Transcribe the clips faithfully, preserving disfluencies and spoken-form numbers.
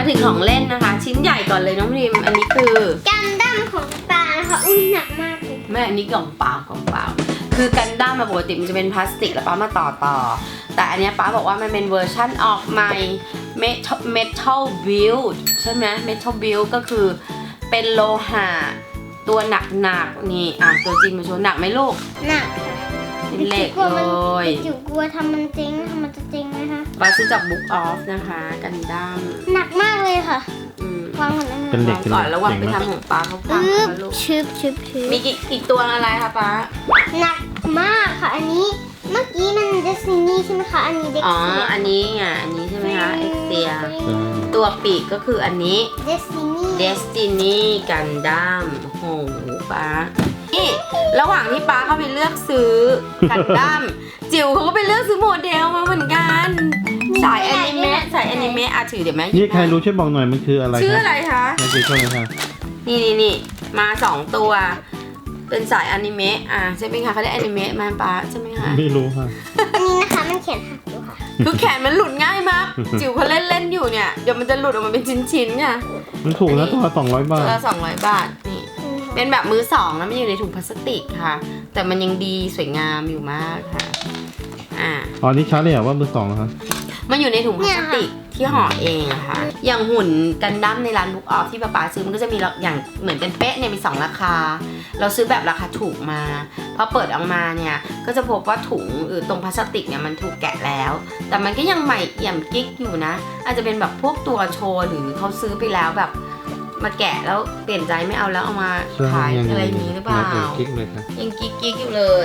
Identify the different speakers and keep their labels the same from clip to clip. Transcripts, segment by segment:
Speaker 1: มาถึงของเล่นนะคะ ชิ้นใหญ่ก่อนเลยน้องพิมอันนี้คือ
Speaker 2: กันดั้มของตาค่ะอุ้ยหนักมากเลย
Speaker 1: แม่อันนี้กล่องเปล่ากล่องเปล่าคือกันดั้มมาปกติมันจะเป็นพลาสติกแล้วป้ามาต่อต่อแต่อันนี้ป้าบอกว่ามันเป็นเวอร์ชั่นออกใหม่ metal build ใช่ไหม metal build ก็คือเป็นโลหะตัวหนักๆนี่อ่ะตัวจริงมาโชว์หนักไหมลูก
Speaker 2: หนัก
Speaker 1: เป็นเหล็กเลย
Speaker 2: จิ๋วกลัวทำมันจริงทำมันจะจริงไหมคะ
Speaker 1: ป้าซื้อจาก Book Off นะคะกันดั้ม
Speaker 2: หนักมากเลยค่ะวางก่อนนะ
Speaker 3: เป็นเหล็ก
Speaker 1: ก่อนแล้ววางไปทำของป้าเขาพังนะลูก
Speaker 2: ชึบชึบชึบ
Speaker 1: มีกี่อีกตัวอะไรคะป้า
Speaker 2: หนักมากค่ะอันนี้เมื่อกี้มันเดสตินีใช่ไหมคะอันนี้เด็ก
Speaker 1: อ๋ออันนี้ไงอันนี้ใช่ไหมคะเอ็กเซียตัวปีกก็คืออันนี้
Speaker 2: Destiny
Speaker 1: Destiny กันดั้มโหป้านี่ระหว่างที่ป้าเข้าไปเลือกซื้อกันดั้มจิ๋วเขาก็ไปเลือกซื้อโมเดลมาเหมือนกันสายอนิเมะสายอนิเมะอ่ะถือเดี๋ยวแม่
Speaker 3: นี่ใครรู้ช่วยบอกหน่อยมันคืออะไร
Speaker 1: ชื่ออะไรคะ
Speaker 3: ไม่ใช่ช่วยเลยค่ะ
Speaker 1: นี่นี่นี่มาสองตัวเป็นสายอนิเมะอ่ะใช่ไหมคะเขาได้อนิเมะมาป้าใช่ไหมคะ
Speaker 3: ไม่รู้ค่ะ
Speaker 2: อันนี้นะคะมันเขียนหักดูค่ะ
Speaker 1: คือแขนมันหลุดง่ายมากจิ๋วเขาเล่นเล่นอยู่เนี่ยเดี๋ยวมันจะหลุดออกมาเป็นชิ้นๆเนี่ย
Speaker 3: มันถูกนะตัวละสองร้อยบาท
Speaker 1: ตัวละสองร้อยบาทนี่เป็นแบบมือสองนะไม่อยู่ในถุงพลาสติกค่ะแต่มันยังดีสวยงามอยู่มากค่ะอ่า
Speaker 3: อ๋อนี่ชัดเลยเหรอว่ามือสองนะคะ
Speaker 1: มันอยู่ในถุงพลาสติกที่ห่อเองอะค่ะอย่างหุ่นกันดั้มในร้าน Book Off ที่ป้าป๋าซื้อมันก็จะมีอย่างเหมือนเป็นเป๊ะเนี่ยมีสองราคาเราซื้อแบบราคาถูกมาพอเปิดออกมาเนี่ยก็จะพบว่าถุงหรือตรงพลาสติกเนี่ยมันถูกแกะแล้วแต่มันก็ยังใหม่เอี่ยมกิ๊กอยู่นะอาจจะเป็นแบบพวกตัวโชว์หรือเขาซื้อไปแล้วแบบมาแกะแล้วเปลี่ยนใจไม่เอาแล้วเอามาขายอะไรนี้หรือเปล่ายังกิ๊กกิ๊กอยู่เลย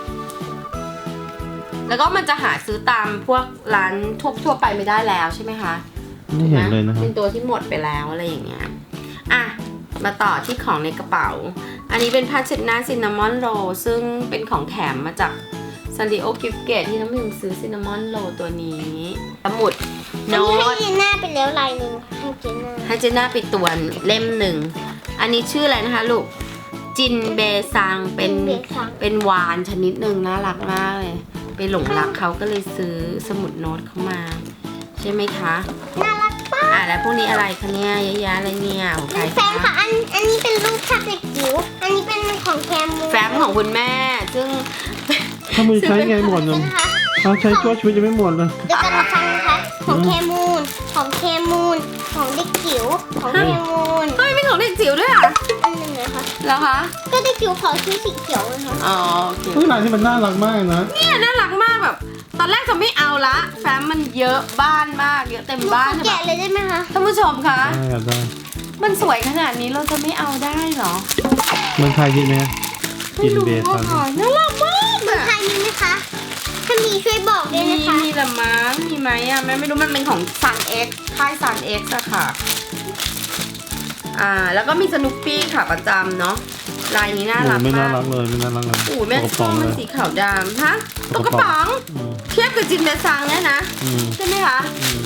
Speaker 1: แล้วก็มันจะหาซื้อตามพวกร้านทั่วทั่วไปไม่ได้แล้วใช่ไหมคะ
Speaker 3: ไม่เห็นเลยนะครับ
Speaker 1: เป็นตัวที่หมดไปแล้วอะไรอย่างเงี้ยอ่ะมาต่อที่ของในกระเป๋าอันนี้เป็นผ้าเช็ดหน้าซินนามอนโรลซึ่งเป็นของแถมมาจากซันดิโอกิฟเกตที่น้ำพิมซื้อซินนามอนโรลตัวนี้สมุดโน้ต
Speaker 2: ให้เจน่าไปแล้วลายหนึ่งให้เจน่า
Speaker 1: ให้เจน่าไปตัวเล่มหนึ่งอันนี้ชื่ออะไรนะคะลูกจินเบซังเป็นเป็นวานชนิดหนึ่งน่ารักมากเลยไปหลงรักเขาก็เลยซื้อสมุดโน้ตเข้ามาใช่ไหมคะ
Speaker 2: น่ารักป้า
Speaker 1: อ่ะแล้วพวกนี้อะไรคะเนี่ยเยอะแยะอะไรเนี่ยของใคร
Speaker 2: แฟ้มค่ะอันอันนี้เป็นรูปภาพเด็กจิ๋วอันนี้เป็นของแคมู
Speaker 1: แฟ้มของคุณแม่ซึ่ง
Speaker 3: ถ้ามือใช้ไงหมดเลยเขาใช้ชั่วชีวิตจะไม่หมดเลย
Speaker 2: เดี๋ยวจะมาฟังนะคะของแคมูนของแคมูนของเด็กจิ๋วของแคมูน
Speaker 1: เฮ้ยเป็นของเด็กจิ๋วด้วยอ่ะ
Speaker 2: อันหนึ่งนะคะ
Speaker 1: แล้วคะ
Speaker 2: ก็เด็กจิ๋วขอซื้อสีเขียวนะคะ
Speaker 1: อ๋อโอเค
Speaker 3: เฮ้ยลายที่มันน่ารักมากนะ
Speaker 1: เนี่ยน่ารักมากแบบตอนแรกจะไม่เอาละแฟ้มมันเยอะบ้านมากเยอะเต็มบ้าน
Speaker 2: แกะเลยได้ไหมคะ
Speaker 1: ท่านผู้ชมคะ
Speaker 3: ได้ได้
Speaker 1: มันสวยขนาดนี้เราจะไม่เอาได้หรอ
Speaker 3: เมืองไทยมีไหม
Speaker 1: กินเบสน่ารักมาก
Speaker 2: เมืองไทยมีไหมคะถ้ามีช่วยบอกด้วยนะคะ
Speaker 1: มีละมั้งมีไหมอ่ะแม่ไม่รู้มันเป็นของ Sun X ค่าย Sun X อะค่ะอ่าแล้วก็มีสนุปปี้ค่ะประจำเนาะลายนี้น่ารักมาก
Speaker 3: ไม่น่ารักเลยไม่น่ารักเลย
Speaker 1: โอ้แม่ชอบมันสีขาวดำฮะตุ๊กกระป๋องเทียบกับจินเบซังเนี่ยนะใช่ไหมคะ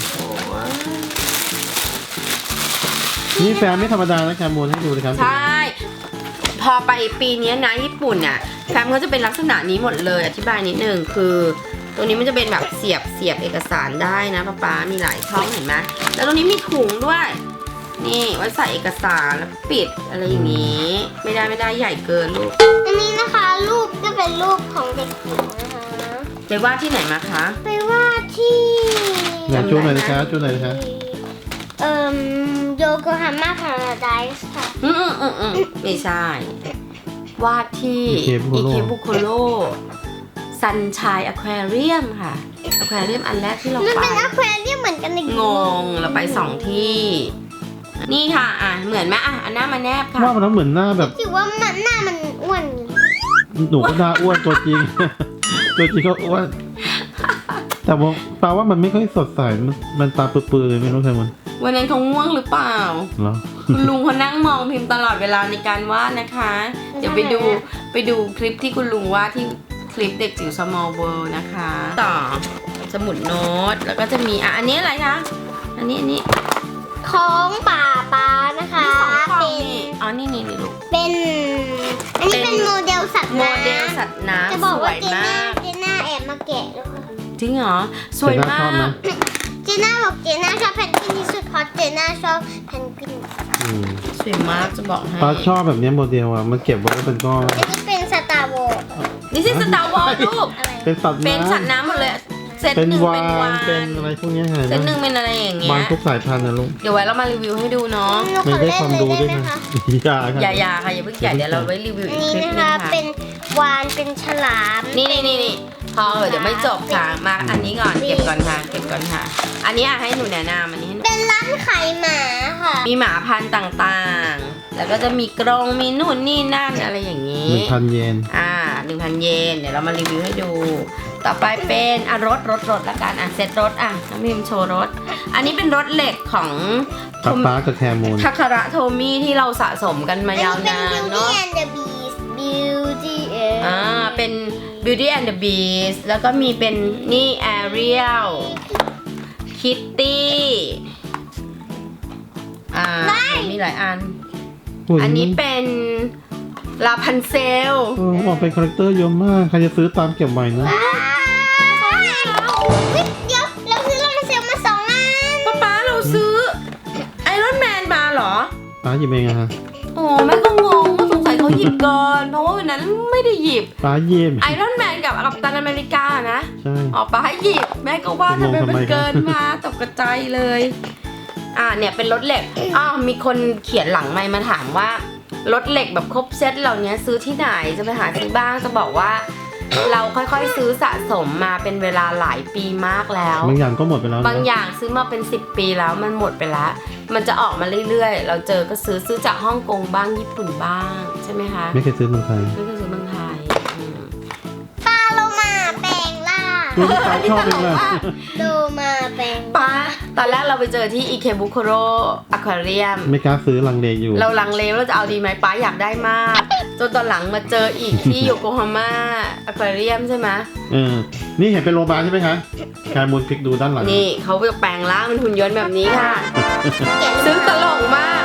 Speaker 3: นี่แฟนไม่ธรรมดานะแคมูลให้ดูเลยครับ
Speaker 1: ใช่พอไปปีนี้นะญี่ปุ่นน่ะแฟ้มเขาจะเป็นลักษณะนี้หมดเลยอธิบายนิดนึงคือตัวนี้มันจะเป็นแบบเสียบเสียบเอกสารได้นะป๊าป๊ามีหลายช่องเห็นไหมแล้วตรงนี้มีถุงด้วยนี่ไว้ใส่เอกสารแล้วปิดอะไรอย่างนี้ไม่ได้ไม่ได้ใหญ่เกินลูก
Speaker 2: อันนี้นะคะรูปก็เป็นรูปของเด็กจิ๋วนะคะ
Speaker 1: ไปวาดที่ไหนมาคะ
Speaker 2: ไปวาดที่
Speaker 3: ไหนช่วยหน่อยนะคะช่วยหน่อยนะคะ
Speaker 2: เอ่อโยโกฮาม่าพาราไดส์ค่ะ
Speaker 1: อืมอืมอืมไม่ใช่วาดที่อิเคบุโคโรซันชัยอควาเรียมค่ะอควาเรียมอันแรกที่เราไปมัน
Speaker 2: เป็นอควาเรียมเหมือนกันเลย
Speaker 1: งงเราไปสองที่นี่ค่ะอ่ะเหมือนไหมอ่ะอันหน้ามาแนบค่ะ
Speaker 3: ว่ามันเหมือนหน้าแบบ
Speaker 2: คิดว่ามันหน้ามันอ้วน
Speaker 3: หนูก็หน้าอ้วนตัวจริงตัวจริงก็อ้วนแต่ว่าแปลว่ามันไม่ค่อยสดใสมันมันตาเปื้อนๆเลยไม่รู้ใครมัน
Speaker 1: วันนั้นเขาง่วงหรือเปล่า
Speaker 3: เหรอ
Speaker 1: คุณลุงเขานั่งมองพิมพ์ตลอดเวลาในการวาดนะคะเดี๋ยวไปดูไปดูคลิปที่คุณลุงวาดที่คลิปเด็กจิ๋ว Small World นะคะต่อสมุดโน้ตแล้วก็จะมีอ่ะอันนี้อะไรคะอันนี้อันนี้
Speaker 2: ของป่าป้านะคะ
Speaker 1: เป็นอ๋อนี่นี่นี่ลูก
Speaker 2: เป็นอันนี้เป็นโมเดลสัตว์
Speaker 1: น้ำโมเดลสัตว์น้ำ
Speaker 2: จะบอกว่าเจน่าเจน่าแอบมาแกะแล้วค่ะ
Speaker 1: จริงเหรอสวยมาก
Speaker 2: เจน่าบอกเจน่าชอบแพนกวินที่สุดเพราะเจน่าชอบเพนกวิน
Speaker 3: อืม
Speaker 1: สวยมากจะบอกให้
Speaker 3: ป้าชอบแบบเนี้ยโมเดลอ่ะมันเก็บไว้เป็นก้อน
Speaker 2: อันนี้เป็นสตาร์วอร์
Speaker 1: นี่สิสตาร์วอลลูก
Speaker 2: อะไร
Speaker 3: เป็นสัตว์
Speaker 1: เป็น
Speaker 3: น้
Speaker 1: สัตว์น้ำหมดเลยเซต
Speaker 3: ำเป็น
Speaker 1: หนึ่ง
Speaker 3: วา
Speaker 1: เป็นวาน
Speaker 3: นเป็นอะไรพวกเนี้ยเห็น
Speaker 1: เซตห
Speaker 3: ไหม
Speaker 1: นึ่งเป็นอะไรอย่างเงี้
Speaker 3: วาน
Speaker 1: ย
Speaker 3: ทุกสายพันธุ์นะลูก
Speaker 1: เดี๋ยวไว้เรามารีวิวให้ดูเนาะ
Speaker 2: หนูข
Speaker 3: ไม่
Speaker 2: อ
Speaker 3: ได้
Speaker 2: เล่น
Speaker 3: ความ
Speaker 2: เลย
Speaker 3: รู้
Speaker 2: ได้
Speaker 3: ด้วย
Speaker 2: ไหม
Speaker 3: นะคะ
Speaker 2: คะ
Speaker 3: อย่าค่ะ
Speaker 1: อย่าอย่าค่ะอย่าเพิ่งแกะเดี๋ยวเราไว้รีวิว
Speaker 2: อั
Speaker 1: อี
Speaker 2: น
Speaker 1: ก
Speaker 2: นี้
Speaker 1: คลิป
Speaker 2: นะ
Speaker 1: นึง
Speaker 2: คะ
Speaker 1: ค่ะ
Speaker 2: เป็นวานเป็นฉลาม
Speaker 1: นี่นี่นี่นี่พอเออเดี๋ยวไม่จบค่ะมาอันนี้ก่อนเก็บก่อนค่ะเก็บก่อนค่ะ อันนี้อ่ะให้หนูแนะนำอันนี้ให้หนู
Speaker 2: เป็นร้านขายหมาค่ะ
Speaker 1: มีหมาพันธุ์ต่างๆ แล้วก็จะมีกรงมีนู่นนี่นั่นอะไรอย่างนี้
Speaker 3: หนึ่งพันเยน
Speaker 1: อ่าหนึ่งพันเยนเดี๋ยวเรามารีวิวให้ดู ต่อไปเป็นอ่ะรถรถรถละกันอ่ะเซตรถอ่ะน้องพิมพ์โชว์รถ อันนี้เป็นรถเหล็กของ
Speaker 3: ป๊าป๊ากับแคมูล
Speaker 1: ทาคาระโทมี่ที่เราสะสมกันมายาวนาน
Speaker 2: อันนี้
Speaker 1: เนาะ
Speaker 2: เป็น Beauty and the Beast Beauty and
Speaker 1: อ่าเป็น Beauty and the Beast แล้วก็มีเป็นนี่ Ariel Kitty อ่ามีหลายอัน อันนี้เป็นลาพันเซล
Speaker 3: เออออกเป็นคาแรคเตอร์เยอะมาก ใครจะซื้อตามเก็บไว้นะ
Speaker 2: ว้าวเฮ้ยเดี๋ยวเราซื้อลามาเซลมาสองอัน
Speaker 1: ป๊าป๊าเราซื้อไอรอนแมนมาเหรอ
Speaker 3: ป้าหยิบเองอะฮะ
Speaker 1: โอ้แม่ก็งงว่าสงสัยเขาหยิบก่อนเพราะว่าวันนั้นไม่ได้หยิบ
Speaker 3: ป้าหยิบ
Speaker 1: ไอรอนแมนกับกัปตันอเมริกานะ
Speaker 3: ใช่
Speaker 1: ออกมาให้หยิบแม่ก็ว่าทำไม
Speaker 3: งงทำไม
Speaker 1: มันเกิน
Speaker 3: กัน
Speaker 1: มาตกกระจายเลย อ่าเนี่ยเป็นรถเหล็กอ้าวมีคนเขียนหลังไมค์มาถามว่ารถเหล็กแบบครบเซตเหล่านี้ซื้อที่ไหนจะไปหาซื้อบ้างจะบอกว่า เราค่อยๆซื้อสะสมมาเป็นเวลาหลายปีมากแล้ว
Speaker 3: บางอย่างก็หมดไปแล้วนะ
Speaker 1: บางอย่างซื้อมาเป็นสิบปีแล้วมันหมดไปแล้ว มันจะออกมาเรื่อยๆ เราเจอก็ซื้อซื้อจากฮ่องกงบ้างญี่ปุ่นบ้างใช่ไหมคะ
Speaker 3: ไม่เคยซื้อเมืองไทย
Speaker 1: ไม่เคยซื้อเมืองไทยอืม
Speaker 2: ปลาโลมาแปลงล่าง
Speaker 3: ตัวที่ป้าชอบเองเลย
Speaker 2: โลมาแปลง
Speaker 1: ป้าตอนแรกเราไปเจอที่อิเคบุโคโรอะควาเรียม
Speaker 3: ไม่กล้าซื้อลังเลอยู่
Speaker 1: เราลังเลว่าเราจะเอาดีไหมป้าอยากได้มาก จนตอนหลังมาเจออีกที่โยโกฮาม่าอะควาเรียมใช่ไหม
Speaker 3: เออ นี่เห็นเป็นโรบาใช่ไหมคะแคมูลพลิกดูด้านหลัง
Speaker 1: นี่เขาจะแปลงร่างเป็นหุ่นยนต์แบบนี้ค่ะ
Speaker 2: เก็บ
Speaker 1: ซึ่งตลกมาก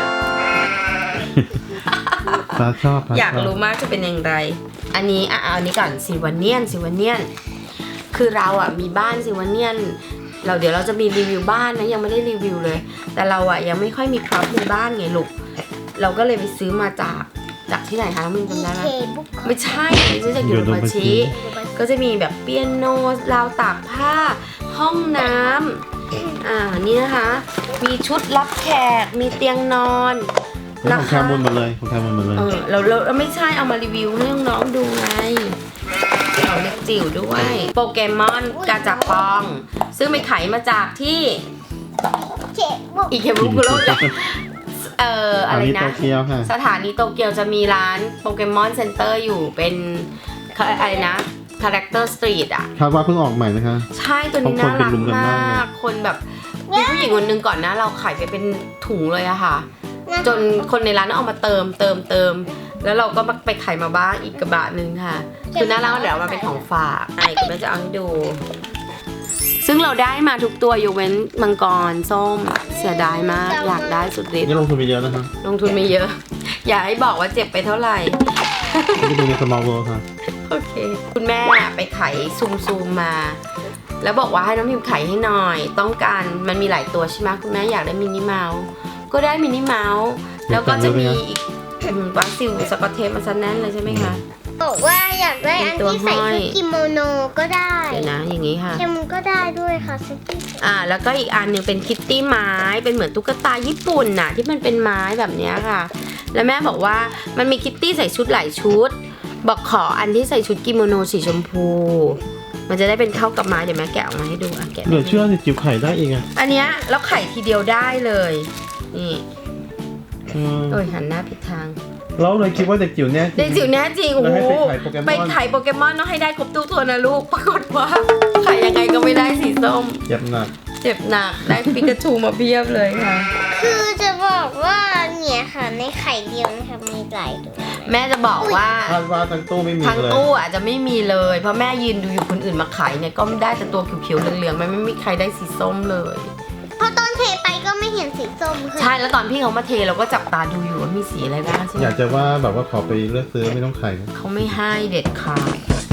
Speaker 3: ป้าชอบป้
Speaker 1: อยาก
Speaker 3: ชบ
Speaker 1: รู้มากจะเป็นอย่างไร อันนี้อ่ะเอาอันนี้ก่อนซิวาเนียนซิวาเนียน คือเราอ่ะมีบ้านซิวาเนียน เราเดี๋ยวเราจะมีรีวิวบ้านนะยังไม่ได้รีวิวเลย แต่เราอ่ะยังไม่ค่อยมีพร็อพในบ้านไงลูก เราก็เลยไปซื้อมาจากจากที่ไหนคะน้องมิน
Speaker 2: อี
Speaker 1: จำได้ไหม
Speaker 2: เคบุ๊ก
Speaker 1: ไม่ใช่ซื้อจากยูโรปาชิ ก็จะมีแบบเปียโนราวตากผ้า ห้องน้ำอ่านี่นะคะ มีชุดรับแขก มีเตียงนอน
Speaker 3: ของแคมูลหมดเลยของแคมูลหมดเลย
Speaker 1: เออเราเราเราไม่ใช่เอามารีวิวให้น้องๆดูไงเอาเล็กจิ๋วด้วย โปเกมอนกาจับปอง ซึ่งไปไขมาจากที่
Speaker 2: เคบุ๊ก
Speaker 1: อีเคบุคุโรเอ่ออะไร
Speaker 3: อันนี้
Speaker 1: นะ
Speaker 3: โตเกียวค่ะ
Speaker 1: สถานีโตเกียวจะมีร้านโปเกมอนเซ็นเตอร์อยู่เป็นอะไรนะคาแรคเตอร์สตรีทอ่ะ
Speaker 3: คาดว่าเพิ่งออกใหม่นะคะ
Speaker 1: ใช่ตัวนี้น่ารัก
Speaker 3: เพราะคนไปรุมกันมาม
Speaker 1: าก ก คนแบบมีผู้หญิงคนหนึงก่อนนะ เราขายไปเป็นถุงเลยอะค่ะ จนคนในร้านต้องเอามาเติมเติมเติม แล้วเราก็มาไปขายมาบ้างอีกกระบะหนึ่งค่ะ คือน่ารักเดี๋ยวเอามาเป็นของฝากไอ้คุณแม่จะเอาให้ดู ซึ่งเราได้มาทุกตัวยกเว้นมังกรส้มเสียดายมากอยากได้สุดฤทธิ์
Speaker 3: นี่ลงทุนไปเยอะนะคะ
Speaker 1: ลงทุนไม่เยอะ อย่าให้บอกว่าเจ็บไปเท่าไหร่
Speaker 3: นี่เป็นในสมอลเวิลด์ค่ะ
Speaker 1: โอเค คุณแม่ไปไขซูมซูมมา แล้วบอกว่าให้น้องพิมพ์ไขให้หน่อย ต้องการมันมีหลายตัวใช่ไหมคุณแม่อยากได้มินิเมาส์ก็ได้มินิเมาส์แล้วก็จะมีอีกอืมวาซิลสกอตเทปมาซะแน่นเลยใช่ไหมคะ
Speaker 2: บอกว่าอยากได้อันที่ใส่ชุดกิโมโนก็ได้
Speaker 1: เดี๋ยวนะอย่างนี้ค่ะ
Speaker 2: เคมูก็ได้ด้วยค่ะสกี้
Speaker 1: อ่าแล้วก็อีกอันหนึ่งเป็นคิตตี้ไม้เป็นเหมือนตุ๊กตาญี่ปุ่นน่ะที่มันเป็นไม้แบบเนี้ยค่ะ แล้วแม่บอกว่ามันมีคิตตี้ใส่ชุดหลายชุด บอกขออันที่ใส่ชุดกิโมโนสีชมพู มันจะได้เป็นเข้ากับไม้เดี๋ยวแม่แกะออกมาให้ดูอ่ะแกะ
Speaker 3: เหลือเชื่อนี่จิ๋วไข่ได้เองอะ
Speaker 1: อันเนี้ยแล้วไข่ทีเดียวได้เลยนี่
Speaker 3: อืม
Speaker 1: โอ้ยหันหน้าผิดทาง
Speaker 3: เราเลยคิดว่าเด็กจิ๋วแน่จริ
Speaker 1: เด็ก
Speaker 3: ง
Speaker 1: จิ๋วแน่จริงโอ้
Speaker 3: แล้ว
Speaker 1: โห
Speaker 3: ให้ไป
Speaker 1: ไป
Speaker 3: ไข่
Speaker 1: ไข่โปเกมอนต้องให้ได้ครบทุกตัวนะลูกปรากฏว่าไข่ยังไงก็ไม่ได้สีส้ม
Speaker 3: เจ็บหนัก
Speaker 1: เจ็บหนักได้ปิกาจูมาเพียบเลยค่ะ
Speaker 2: คือจะบอกว่าเนี่ยค่ะในไข่เดียวนะคะมีหลายตัว
Speaker 1: แม่จะบอกว่า
Speaker 3: คาดว่าทั้งตู้ไม่มี
Speaker 1: ทั้ง
Speaker 3: เลย
Speaker 1: ตู้อาจจะไม่มีเลย เพราะแม่ยืนดูอยู่คนอื่นมาขายเนี่ยก็ไม่ได้แต่ตัวเขียวๆเหลืองๆมันไม่มีใครได้สีส้มเลย
Speaker 2: พอตอนเทไปก็ไม่เห็นสีส้มคือ
Speaker 1: ใช่แล้วตอนพี่เขามาเทเราก็จับตาดูอยู่ว่ามีสีอะไรบ้างใช่ไหม
Speaker 3: อยากจะว่าแบบว่าขอไปเลือกซื้อไม่ต้องไข่นะ
Speaker 1: เขาไม่ให้เด็ดขาด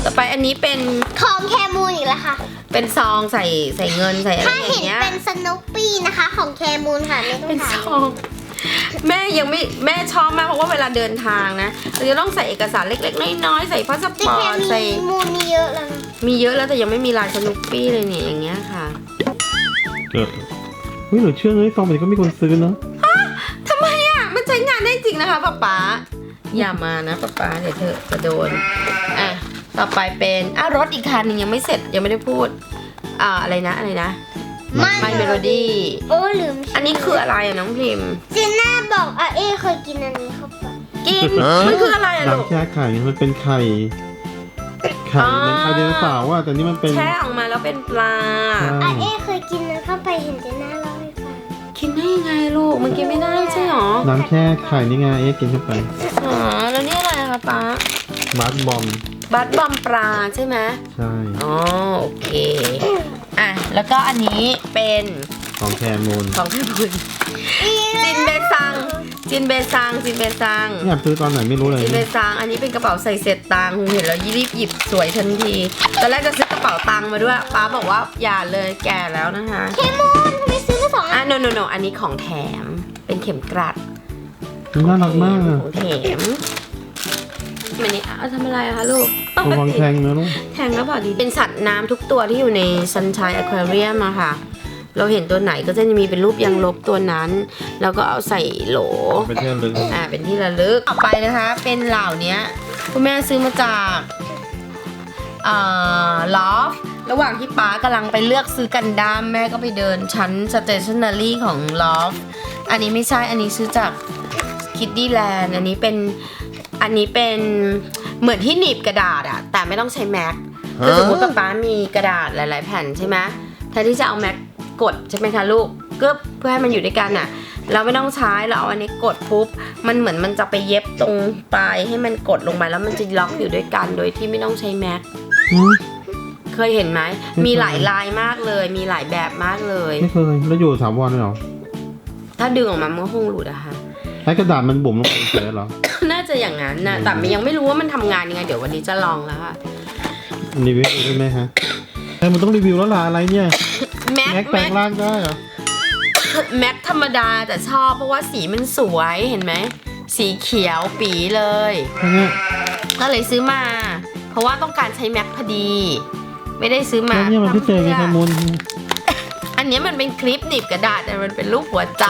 Speaker 1: ต่อไปอันนี้เป็น
Speaker 2: ของแคมูนอีกแล้วค่ะ
Speaker 1: เป็นซองใส่ใส่เงินใส่อะไร
Speaker 2: ถ้า
Speaker 1: อ
Speaker 2: เห็น
Speaker 1: ย่างเงี้ย
Speaker 2: เป็นสนุปปี้นะคะของแคมูนค่ะไม่ต้อ
Speaker 1: เป็
Speaker 2: ง
Speaker 1: น
Speaker 2: ถา
Speaker 1: ซ
Speaker 2: ม
Speaker 1: องแม่ยังไม่แม่ชอบมากเพราะว่าเวลาเดินทางนะเราจะต้องใส่เอกสารเล็กๆน้อยๆใส่พาสป
Speaker 2: แต่
Speaker 1: อ
Speaker 2: แค
Speaker 1: ร์ตใส่
Speaker 2: มูนมีเยอะแล้วนะ
Speaker 1: มีเยอะแล้วแต่ยังไม่มีลายสนุปปี้เลยเนี่ยอย่างเงี้ยค่ะ
Speaker 3: เกิดเฮ้ยเหลือเชื่อเลยซองแบบนี้ก็มีคนซื้อเนาะ
Speaker 1: ทำไมอ่ะมันใช้งานได้จริงนะคะป๊าป๊าอย่ามานะป๊าป๊าเดี๋ยวเธอจะโดนอ่ะต่อไปเป็นอ่ะรถอีกคันหนึงยังไม่เสร็จยังไม่ได้พูดอ่าอะไรนะอะไรนะ My Melody
Speaker 2: โอ้ลืม
Speaker 1: อันนี้คืออะไรอ่ะน้องพิมพ์
Speaker 2: เจน่าบอกอาเอเคยกินอันนี้เข้าไป
Speaker 1: กินมันคืออะไรอ่ะลูก
Speaker 3: น้ำแช่ไข่มันเป็นไข่ไข่
Speaker 1: อ๋อ
Speaker 3: มันไข่เดโนเสาร์ว่าแต่นี่มันเป็น
Speaker 1: แช่ออกมาแล้วเป็นปลา
Speaker 3: ใช่
Speaker 2: อาเอเคยกินมันเข้าไปเห็นเจน่าเล่าให้ฟัง
Speaker 1: กินได้ยังไงลูกมันกินไม่ได้ใช่หรอ
Speaker 3: น้ำแช่ไข่นี่ไงเอ๊ะกินเข้าไป
Speaker 1: อ๋อแล้วนี่อะไรคะป๊า
Speaker 3: มาร์บอม
Speaker 1: บัตบอมปลาใช่ไหม
Speaker 3: ใช่
Speaker 1: อ๋อโอเคอ่ะแล้วก็อันนี้เป็น
Speaker 3: ของแคมูน
Speaker 1: ของพี่บุญจินเบซังจินเบซังจินเบซัง
Speaker 3: เนี่ยซื้อตอนไหนไม่รู้เลย
Speaker 1: จินเบซังอันนี้เป็นกระเป๋าใส่เศษตังค์เห็นแล้วรีบหยิบสวยทันทีตอนแรกจะซื้อกระเป๋าตังค์มาด้วยป้าบอกว่าอย่าเลยแก่แล้วนะคะ
Speaker 2: เคมูนทำไมซื้อมาสองอั
Speaker 1: อ่ะ
Speaker 2: น
Speaker 1: โนโนโนอันนี้ของแถมเป็นเข็มกลัด
Speaker 3: น่ารักมากอะ
Speaker 1: ของแถมมันนี่เอาทำอะไรอะคะลูก
Speaker 3: ระวังแทงนะลูก
Speaker 1: แทงแล้วบอกดีเป็นสัตว์น้ำทุกตัวที่อยู่ใน Sunshine Aquarium อะค่ะ เราเห็นตัวไหนก็จะมีเป็นรูปยางลบตัวนั้น แล้วก็เอาใส่โหล
Speaker 3: ไปเที่ยวลึก
Speaker 1: อ่า เป็นที่ระลึกต่อไปนะคะ เป็นเหล่านี้คุณแม่ซื้อมาจากอ่าลอฟระหว่างที่ป๊ากำลังไปเลือกซื้อกันดั้มแม่ก็ไปเดินชั้น stationery ของลอฟอันนี้ไม่ใช่ อันนี้ซื้อจาก Kiddy Land อันนี้เป็น อันนี้เป็นเหมือนที่หนีบกระดาษอะแต่ไม่ต้องใช้แม็กคือสมมติป๊าป๊ามีกระดาษหลาย ๆ แผ่นใช่ไหมแทนที่จะเอาแม็กกดใช่ไหมคะลูกก็เพื่อให้มันอยู่ด้วยกันอะเราไม่ต้องใช้เราเอาอันนี้กดปุ๊บมันเหมือนมันจะไปเย็บตรงปลายให้มันกดลงไปแล้วมันจะล็อกอยู่ด้วยกันโดยที่ไม่ต้องใช้แม็ก
Speaker 3: อืม
Speaker 1: เคยเห็นไหม
Speaker 3: ไม่เคย
Speaker 1: มีหลายลายมากเลย มีหลายแบบมากเลย
Speaker 3: ไม่เคยแล้วอยู่ถาวรเลยเหรอ
Speaker 1: ถ้าดึงออกมามันก็คงหลุดอะค่ะ
Speaker 3: ใช้กระดาษมันบุ๋มลงไปเฉยๆเหรอ
Speaker 1: น่าจะอย่างนั้นนะแต่ยังไม่รู้ว่ามันทำงานยังไงเดี๋ยววันนี้จะลองแล้วค่ะ
Speaker 3: รีวิวได้ไหมฮะแต่มันต้องรีวิวแล้วล่ะอะไรเนี่ย
Speaker 1: แม็ก
Speaker 3: แม็กแปล
Speaker 1: แม็ก
Speaker 3: งร่างได้เหรอ
Speaker 1: แม็กธรรมดาแต่ชอบเพราะว่าสีมันสวยเห็นไหมสีเขียวปีเลย
Speaker 3: แค่เนี้ย
Speaker 1: ก็เลยซื้อมา เพราะว่าต้องการใช้แม็กพอดี ไม่ได้ซื้อมา
Speaker 3: แล้วเนี่ยมันพิเศษไงแคมูล
Speaker 1: อันนี้มันเป็นคลิปหนีบกระดาษแต่มันเป็นรูปหัวใจ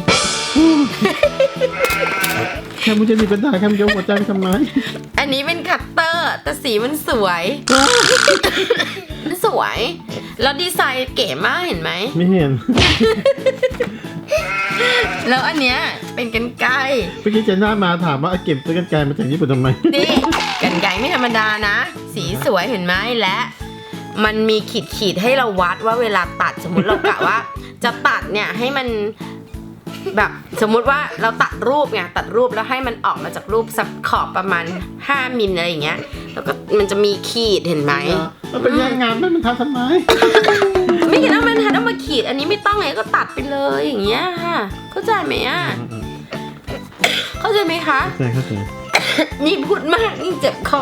Speaker 3: แคมูลจะมีกระดาษแคมูลจะหัวใจไปทำไม
Speaker 1: อันนี้เป็นคัตเตอร์แต่สีมันสวย มันสวย แล้วดีไซน์เก๋มากเห็นไหม
Speaker 3: ไม่เห็น
Speaker 1: แล้วอันเนี้ยเป็นกันไกร
Speaker 3: เมื่อกี้เจน่ามาถามว่าเอาเก็บซื้อกันไกลมาจากญี่ปุ่นทำไม
Speaker 1: นี่กันไกรไม่ธรรมดานะ สีสวยเห็นไหมและมันมีขีดขีดๆให้เราวัดว่าเวลาตัดสมมติเรากะว่า จะตัดเนี่ยให้มันแบบสมมุติว่าเราตัดรูปไงตัดรูปแล้วให้มันออกมาจากรูปสักขอบประมาณห้ามิลอะไรอย่างเงี้ยแล้วก็มันจะมีขีดเห็นไหม
Speaker 3: มันเป็นแย่งงานมันมันทำทำไม
Speaker 1: ไม่เห็นว่ามันทันเอามาขีดอันนี้ไม่ต้องไงก็ตัดไปเลยอย่างเงี้ยค่ะเข้าใจไหมอ่ะเข้าใจไหมคะ
Speaker 3: ใช่เข้าใจ
Speaker 1: นี่พูดมากนี่เจ็บคอ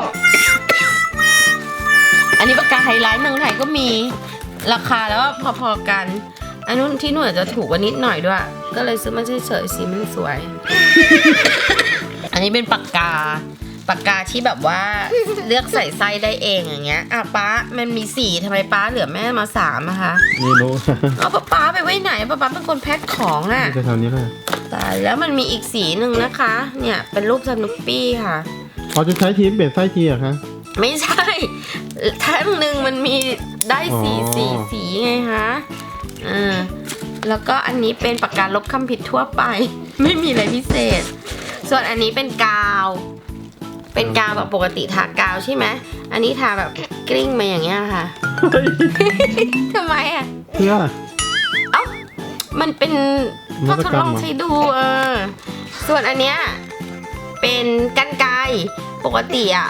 Speaker 1: อันนี้ปากกาไฮไลท์เมืองไทยก็มีราคาแล้วว่าพอๆกัน อันนู้นที่หน่วยจะถูกกว่านิดหน่อยด้วย ก็เลยซื้อมาเฉยๆสีมันสวย อันนี้เป็นปากกาปากกาที่แบบว่าเลือกใส่ไส้ได้เองอย่างเงี้ยอ่ะป๊ามันมีสี่ทำไมป๊าเหลือแม่มาสามอะคะ
Speaker 3: ไม่รู้
Speaker 1: เอาป๊าป๊าไปไว้ไหนป๊าป๊าเป็นคนแพ็คของอะ
Speaker 3: จะแถวนี้เลย
Speaker 1: ตายแล้วมันมีอีกสีหนึ่งนะคะ เนี่ยเป็นรูปสนุปปี้ค่ะ
Speaker 3: พอจะใช้ทีมเปลี่ยนไส้ทีเหรอะคะ
Speaker 1: ไม่ใช่แท่งหนึ่งมันมีได้สี
Speaker 3: อ๋อ
Speaker 1: สีสีไงคะอ่าแล้วก็อันนี้เป็นปากกาลบคำผิดทั่วไป ไม่มีอะไรพิเศษ ส่วนอันนี้เป็นกาว เป็นกาวแบบปกติทากาวใช่ไหมอันนี้ทาแบบกลิ้งมาอย่างเงี้ยค่ะ ทำไมอ่ะ
Speaker 3: เพื่อ
Speaker 1: เอ้ามันเป็น
Speaker 3: น
Speaker 1: ก็
Speaker 3: วัต
Speaker 1: ทด
Speaker 3: กรร
Speaker 1: ล
Speaker 3: ม
Speaker 1: อง
Speaker 3: เหรอ
Speaker 1: ใช้ดูเออส่วนอันเนี้ยเป็นกันไกรปกติอ่ะ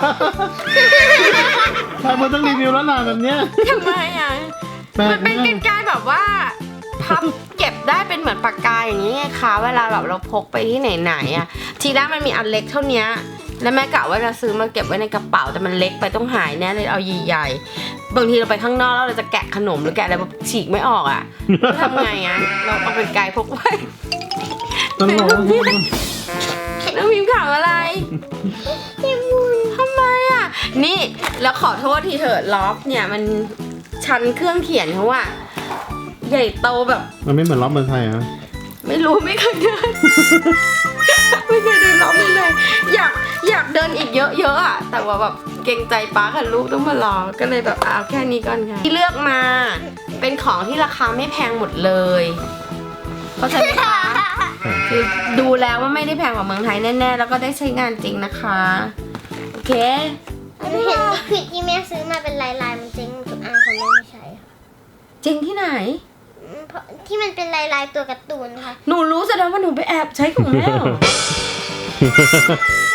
Speaker 3: ใช่มันต้องรีวิวแล้วล่ะแบบเนี้ย
Speaker 1: ทำไมอ่ะ
Speaker 3: แปล
Speaker 1: มั
Speaker 3: ก
Speaker 1: นเป็น
Speaker 3: มา
Speaker 1: กัน
Speaker 3: ก
Speaker 1: ไกรแบบว่าพับเก็บได้เป็นเหมือนปากกาอย่างนี้ไงคะเวลาแบบเราพกไปที่ไหนๆอ่ะทีแรกมันมีอันเล็กเท่านี้แล้วแม่กะว่าจะซื้อมาเก็บไว้ในกระเป๋าแต่มันเล็กไปต้องหายแน่เลยเอาใหญ่ๆบางทีเราไปข้างนอกแล้วเราจะแกะขนมหรือแกะอะไรแบบฉีกไม่ออกอ่ะทำไงอ่ะเราเอาเป็นไกลพกไว้
Speaker 3: ตลก
Speaker 1: น้องพิมพ์ข่าวอะไรทำไมอ่ะนี่แล้วขอโทษทีเถอะล็อกเนี่ยมันชั้นเครื่องเขียนเขาอะใหญ่โตแบบ
Speaker 3: มันไม่เหมือนล้อมเมืองไทยอ่ะ
Speaker 1: ไม่รู้ไม่เคยเดิน ไม่เคยเดินล็อกเลยอยากอยากเดินอีกเยอะๆอะแต่ว่าแบบเกรงใจป้ากับลูกต้องมารอก็เลยแบบเอาแค่นี้ก่อนค่ะที่เลือกมาเป็นของที่ราคาไม่แพงหมดเลยเข้าใจไหมคะคือดูแล้วว่าไม่ได้แพงกว่าเมืองไทยแน่ๆแล้วก็ได้ใช้งานจริงนะคะโอเค
Speaker 2: หนูเห็นลิควิดที่แม่ซื้อมาเป็นลายลายๆมันเจ๊งทุกอันของแม่ไม่ใช่ค่ะ
Speaker 1: จริงที่ไหน
Speaker 2: อืมเพราะที่มันเป็นลายลายๆตัวการ์ตูนค่ะ
Speaker 1: หนูรู้แสดงว่าหนูไปแอบใช้ของแม่เหรอ